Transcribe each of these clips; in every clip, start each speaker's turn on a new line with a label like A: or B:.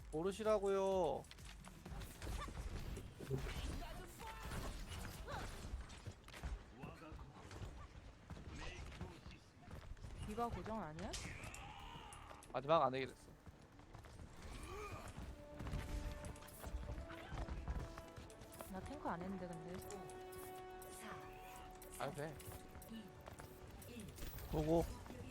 A: 모르시라고요.
B: 디바 고정 아니야?
A: 마지막 안 되게 됐어.
B: 나 탱커 안 했는데 근데.
A: 안 돼. 오고.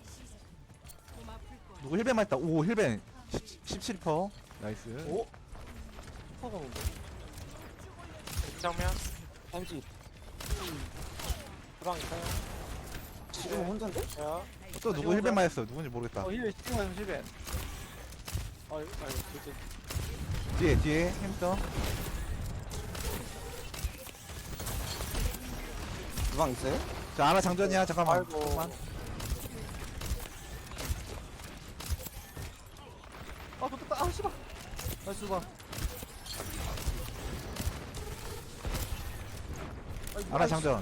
C: 누구 힐벤만 했다. 오 힐벤 17%. 나이스.
A: 오? 슈퍼가 뭔데?
D: 정면
E: 햄찌
D: 주방 있어요.
E: 지금 혼자인데?
D: 야,
C: 또 누구 힐벤만 했어. 누군지 모르겠다.
A: 힐벤 시팅만 힐벤.
D: 아유, 그치.
C: 뒤에 햄스터.
E: 주방 있어요?
C: 자 하나 장전이야. 잠깐만.
D: 아이고.
C: 잠깐만.
A: 아 좋겠다. 아 씨발. 나이스 봐.
C: 하나 장전.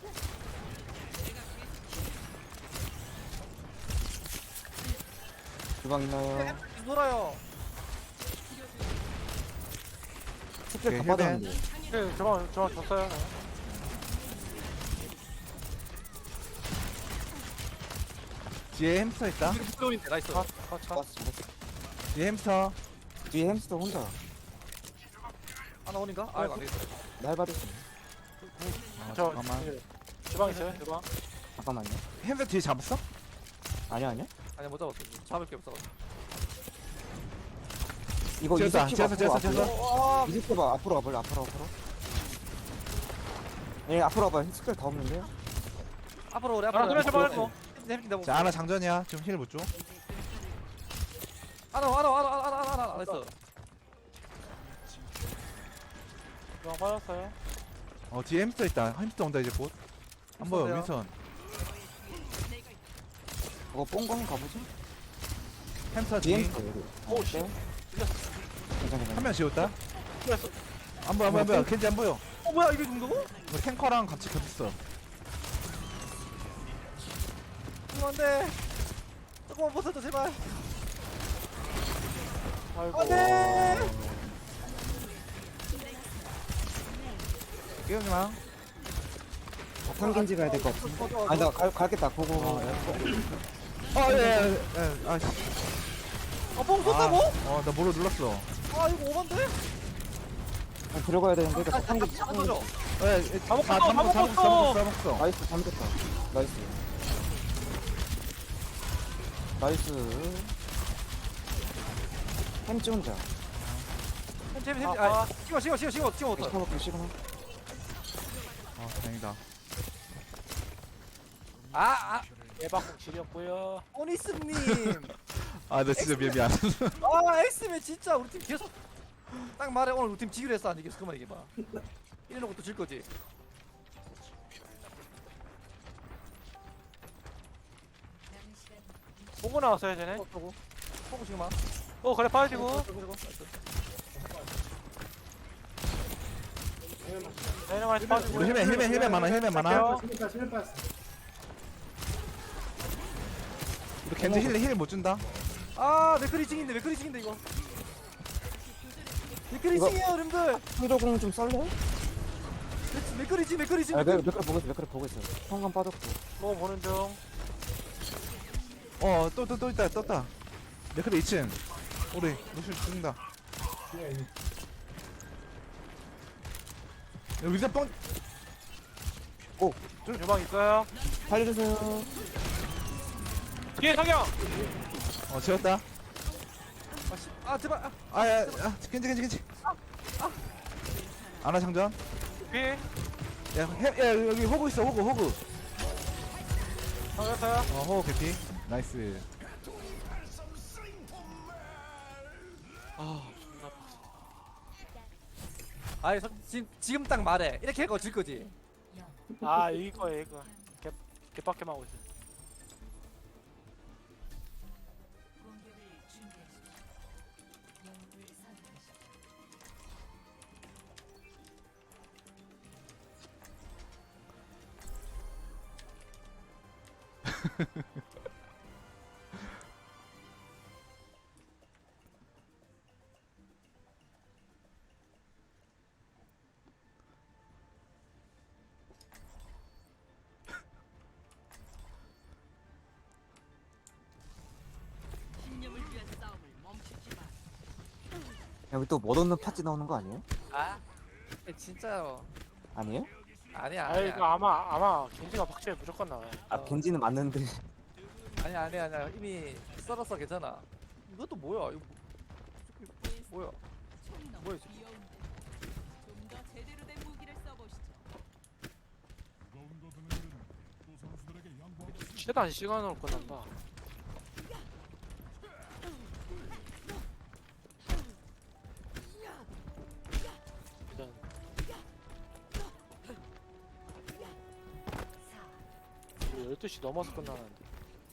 E: 주방 있나요?
A: 놀아요.
E: 스킬 다
C: 오케이,
E: 빠졌는데
D: 네, 주방 줬어요. 네.
C: 뒤에 햄스터 있다.
A: 부끄러운데 나이스.
D: 컷.
E: 봤어
C: 뒤에 햄스터.
E: 뒤에 햄스터 혼자
A: 하나 오닌가? 아 이거 안 되겠다.
E: 날 받았어
D: 저,
C: 잠깐만.
D: 예, 주방 있어요, 주방.
E: 잠깐만요
C: 햄스터 뒤에 잡았어?
E: 아니야
A: 아니 못 잡았어. 잡을 게 없어.
E: 이거
C: 지었다.
E: 이스킵
C: 지었어.
E: 앞으로
A: 와.
E: 이스킵 앞으로 와볼래 앞으로 예 앞으로 와봐 스킬 다 없는데요?
A: 앞으로 오래
D: 하나
A: 앞으로.
D: 둘, 셋, 넷.
A: 햄찌
C: 자 하나 장전이야. 지금 힐 못 줘.
A: 하나 나이스.
D: 주방 빠졌어요.
C: 뒤에 햄스터 있다. 햄스터 온다 이제 곧. 안 보여
A: 햄스터요?
C: 윈선.
E: 이거 뽕광 가보지?
C: 햄스터
E: 뒤에
C: 뒤.
E: 햄스터 여기
D: 오, 씨.
E: 괜찮아
C: 한 명 지웠다.
D: 틀렸어.
C: 안 보여 안 보여. 겐지 안 보여.
A: 뭐야 이게 정도고?
C: 이거 탱커랑 같이 겹쳤어.
A: 이거 안돼. 조금만 벗어줘 제발.
D: 아이고.
A: 안돼.
C: 깨우지마.
E: 탕겐지 가야 될 것 같은데 아니 나 갈겠다 고고
C: 예. 아씨.
A: 뽕 쏜다고?
C: 나 뭐로 눌렀어.
A: 아 이거 오반데?
E: 들어가야 되는데 이거 탕겐지
A: 안 터져.
D: 다 먹었어.
C: 먹었어.
E: 나이스 잠겼다 나이스 나이스 햄찌 혼자
A: 햄.
D: 아,
A: 아 시간 어떡해.
E: 시그마 시그마
C: 다행이다.
A: 아
D: 예방국 지렸고요.
A: 오니스님.
C: 나 진짜 미안.
A: 아 엑스맨 진짜 우리 팀 계속 딱 말해. 오늘 우리 팀 지기로 했어 안 이겼어? 그만 얘기해봐. 이래놓고 또 질 거지.
D: 보고 나왔어요, 쟤네.
A: 보고 지금 막.
D: 그래, 빠지고. 얘네 많이 빠지고.
C: 우리 힐맨 많아. 우리 겐지 힐 못 준다.
A: 아 맥크리징인데 이거. 맥크리징이에요 여러분들.
E: 풍조공 좀 썰래?
A: 맥크리징.
E: 아 몇클 보고 있어 성감 빠졌고
D: 뭐 보는 중.
C: 또 있다. 떴다. 네크리 2층. 우리 루시 죽는다. 여기 서 뻥.
D: 주방 있어요.
E: 살려주세요
D: 뒤에 성경!
C: 지웠다.
A: 아 제발.
C: 겐지. 아나 장전.
D: 뒤에.
C: 야, 여기 호구 있어, 호구.
D: 성경어요.
C: 호구 개피. 나이스.
A: 아이 지금 딱 말해. 이렇게 해고 질 거지.
D: 아, 이길 거예요, 이거. 개빡게만 하고 있어.
E: 여기 또 못 얻는 파티 나오는 거 아니에요?
A: 아 진짜요.
E: 아니에요?
A: 아니야
D: 아
A: 아니야.
D: 이거 아마 겐지가 박제에 무조건 나와요.
E: 아 겐지는 맞는데
A: 아니야 이미 썰었어 괜찮아. 이것도 뭐야 이거 뭐야 뭐야 지금.
F: 좀더 제대로 된 무기를 써보시죠.
D: 최단 시간으로 끝난다. 일단 12시 넘어서 끝나는데.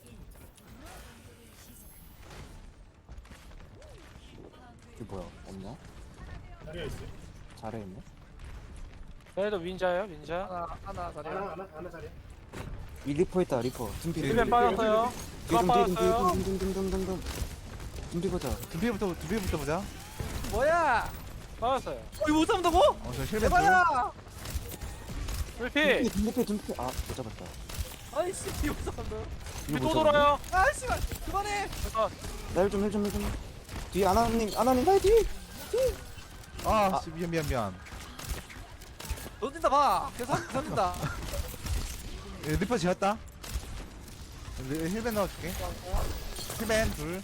E: 이게 뭐야 없냐?
G: 자리에 있어.
E: 잘해 있네.
D: 얘도 윈자예요 윈자.
A: 하나 자리야.
G: 하나 자리야.
E: 이 리퍼 있다 리퍼. 둠피
D: 힐벤 빠졌어요. 그만 빠졌어요.
E: 둠둠둠둠둠둠. 둠피 보자.
C: 두비부터 보자.
A: 뭐야?
D: 빠졌어요.
A: 이거 못 잡는다고?
C: 저 힐맨
A: 대박이야!
D: 불피.
E: 둠피 아못 잡았다.
A: 아이씨 이거 못 잡는다.
D: 불피 또 돌아요.
A: 아이씨 그만해.
D: 잠깐.
E: 나힐좀 뒤에 아나님 나의 뒤.
C: 아, 씨, 미안.
A: 던진다 봐. 계속 던진다.
C: 리퍼 지었다. 힐맨 넣어줄게. 힐맨 둘.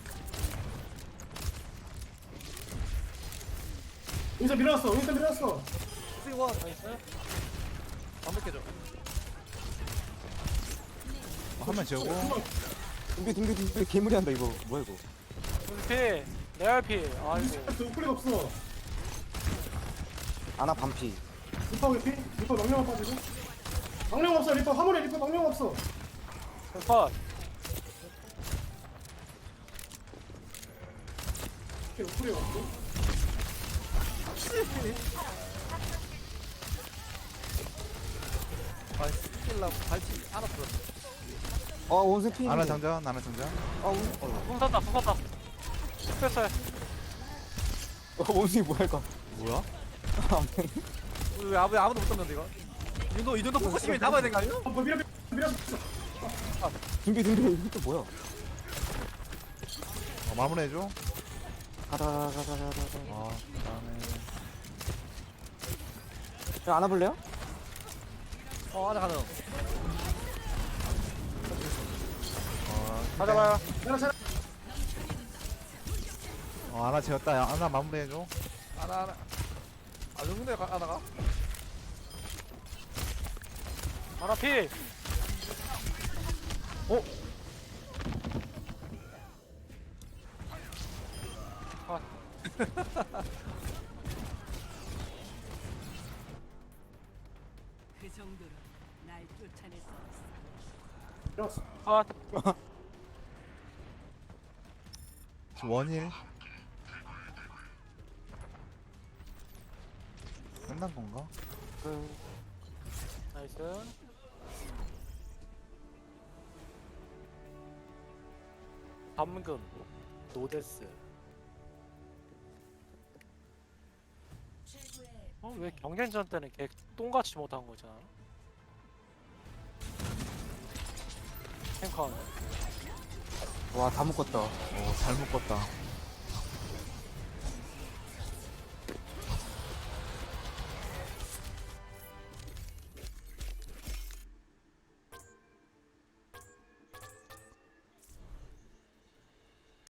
G: 윈서 밀어놨어.
A: 이거
D: 나이스.
A: 완벽해져.
C: 한명 지우고.
E: 둠피 개무리 한다 이거. 뭐야 이거?
D: 불피. 레알피. 아이고.
G: 우클릭 없어.
E: 아나 반피.
G: 리퍼 피? 리퍼 명령만 빠지고. 명령 없어. 리퍼 화물에 리퍼 명령 없어.
D: 컷.
G: 우클릭 없어.
A: 아 스킬라고 발치 하나 풀었어.
E: 원숭이 피.
C: 하나 장전.
D: 궁 샀다. 스페셜.
E: 원숭이 뭐야 이거?
C: 뭐야?
A: 왜 아무도 못 잡는데 이거? 이 정도 포커싱이 잡아야 되는 거 아니야?
G: 밀었어.
E: 둠피 이거 또 뭐야?
C: 마무리해줘.
E: 가다.
C: 그다음에.
E: 야 안아볼래요?
A: 하나 가능.
D: 가져가요.
C: 하나 지었다. 야, 하나 마무리해줘.
A: 하나. 아 정도에 하나가?
D: 하나 피.
F: 그 정도로 날 쫓아낼 수 없어.
G: 밀었어.
D: 아.
C: 원일. 끝난 건가?
D: 나이스. 담금. 노데스. 왜 경쟁전 때는 걔 똥같이 못한 거잖아. 탱커.
E: 와 다 묶었다.
C: 잘 묶었다.